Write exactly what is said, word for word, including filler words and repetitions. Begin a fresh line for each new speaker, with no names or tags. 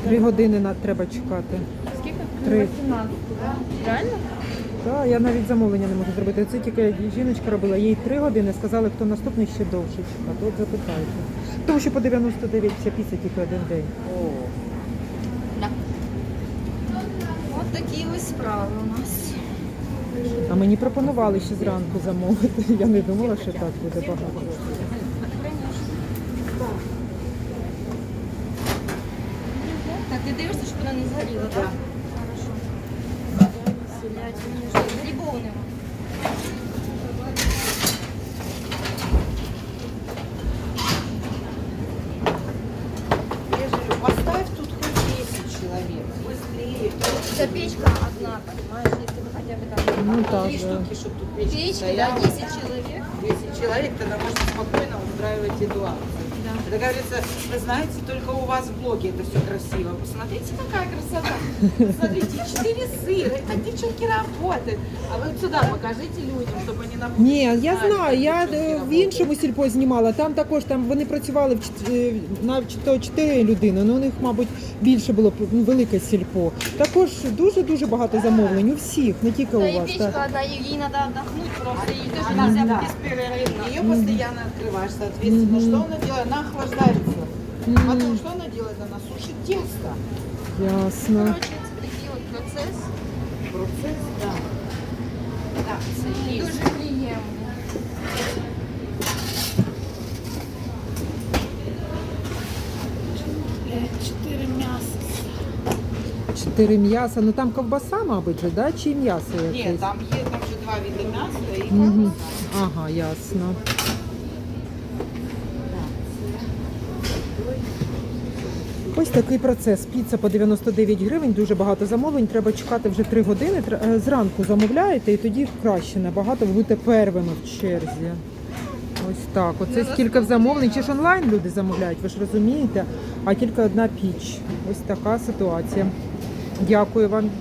Три години на- треба чекати.
Скільки?
Три.
вісімнадцять, так? Реально?
Так, я навіть замовлення не можу зробити. Це тільки жіночка робила, їй три години, сказали, хто наступний ще довше чекати. От запитайте. Тому що по дев'яносто дев'ять вся піца тільки один день.
О,
Так. Ось такі ось справи у нас.
А мені пропонували ще зранку замовити. Я не думала, що так буде багато.
Так, ти дивишся, щоб вона не згоріла, так?
Да.
Хорошо. Грибов нема.
я же говорю, поставь тут хоть десять человек, быстрее.
Це печка одна, понимаешь, если бы хотя бы там
Ну так,
Три
да.
штуки, чтобы тут печка
печка, да,
стояла.
десять человек.
десять человек, тогда можно спокойно устраивать эту акцию.
Да.
Это говорится, вы знаете, только у вас в блоге это все красиво. Посмотрите, какая красота. Смотрите, четыре сыра, это девчонки работают. А вы вот сюда покажите людям, чтобы они на
Ні, я
знали,
знаю,
как
я
девчонки
е, в
работают.
іншому сільпо знімала, там також там вони працювали в чот- е, на то чотири людини, ну у них, мабуть, більше було ну, велике сільпо. Також дуже-дуже багато замовлень у всіх, не тільки
Да,
у
и
вас.
печка
Так.
одна, ей ей надо отдохнуть просто, ей тоже
Да,
нельзя
да.
беспрерывно.
Ее постоянно открываешь, соответственно,
Мгм.
что она делает? Она охлаждается.
Мгм.
Потом что она делает? Она сушит тесто.
Ясно.
Короче, такий от процес.
Процесс, да. Так, це є.
Дуже приємний.
Чотири м'яса.
Чотири м'яса, ну там ковбаса, мабуть, же, да? Чи м'ясо
Ні,
якесь?
там є там вже два види м'яса і
Мгм.
ковбаса.
Ага, ясно. Ось такий процес. Піца по дев'яносто дев'ять гривень, дуже багато замовлень. Треба чекати вже три години. Тр- е, Зранку замовляєте і тоді краще набагато, ви будете первими в черзі. Ось так. Оце скільки в замовлень. Чи ж онлайн люди замовляють, ви ж розумієте? А тільки одна піч. Ось така ситуація. Дякую вам.